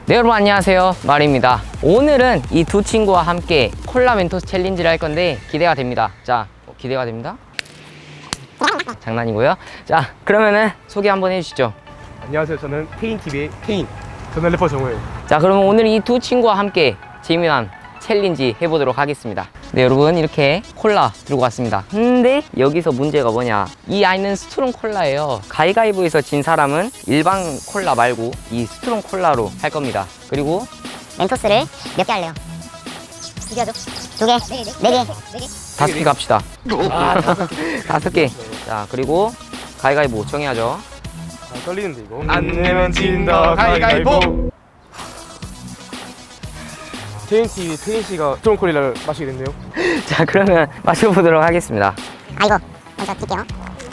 네, 여러분 안녕하세요, 마리입니다. 오늘은 이 두 친구와 함께 콜라 멘토스 챌린지를 할 건데 기대가 됩니다. 자, 기대가 됩니다. 장난이고요. 자, 그러면은 소개 한번 해주시죠. 안녕하세요. 저는 테인TV의 테인. 저는 래퍼 정우예요. 자, 그러면 오늘 이 두 친구와 함께 재미난 챌린지 해보도록 하겠습니다. 네, 여러분 이렇게 콜라 들고 왔습니다. 근데 여기서 문제가 뭐냐, 이 아이는 스트롱 콜라예요. 가위가위보에서 진 사람은 일반 콜라 말고 이 스트롱 콜라로 할 겁니다. 그리고 멘토스를 몇 개 할래요? 두 개 하죠? 두 개? 네 개? 5개 갑시다. 5개. 자, 그리고 가위가위보 정해야죠. 아, 떨리는데 이거. 안 내면 진다 가위가위보. 테인TV 테인 씨가 스트롱 콜라를 마시게 됐네요. 자, 그러면 마셔보도록 하겠습니다. 아 이거 먼저 뛸게요.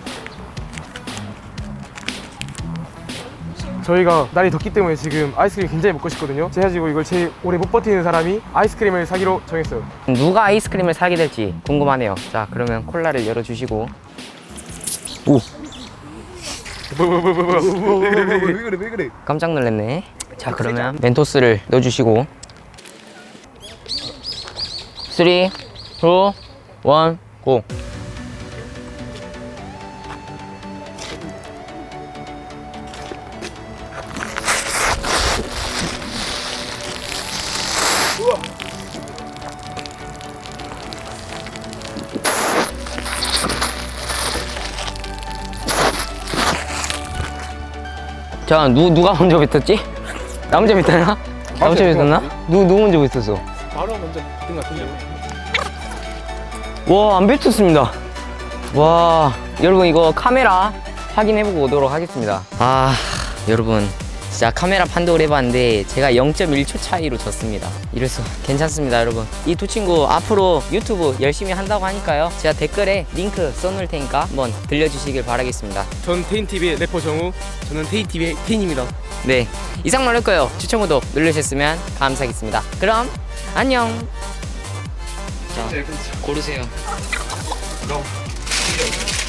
저희가 날이 덥기 때문에 지금 아이스크림 굉장히 먹고 싶거든요. 그래가지고 이걸 제일 오래 못 버티는 사람이 아이스크림을 사기로 정했어요. 누가 아이스크림을 사게 될지 궁금하네요. 자, 그러면 콜라를 열어주시고. 오, 왜 그래? 깜짝 놀랐네. 자, 그러면 멘토스를 넣어주시고 3, 2, 1, 고! 자, 누가 먼저 뱉었지? 나 먼저 뱉었나? 나 먼저 뱉었나? 누구 먼저 뱉었어? 바로 먼저 뜬 것 같은데요. 와, 안 뱉었습니다. 와, 여러분 이거 카메라 확인해보고 오도록 하겠습니다. 아, 여러분 진짜 카메라 판독을 해봤는데 제가 0.1초 차이로 졌습니다. 이래서 괜찮습니다, 여러분. 이 두 친구 앞으로 유튜브 열심히 한다고 하니까요, 제가 댓글에 링크 써놓을 테니까 한번 들려주시길 바라겠습니다. 전 테인TV의 래퍼 정우. 저는 테인TV의 테인입니다. 네, 이상 많을 거예요. 추천 구독 누르셨으면 감사하겠습니다. 그럼 안녕. 자, 고르세요.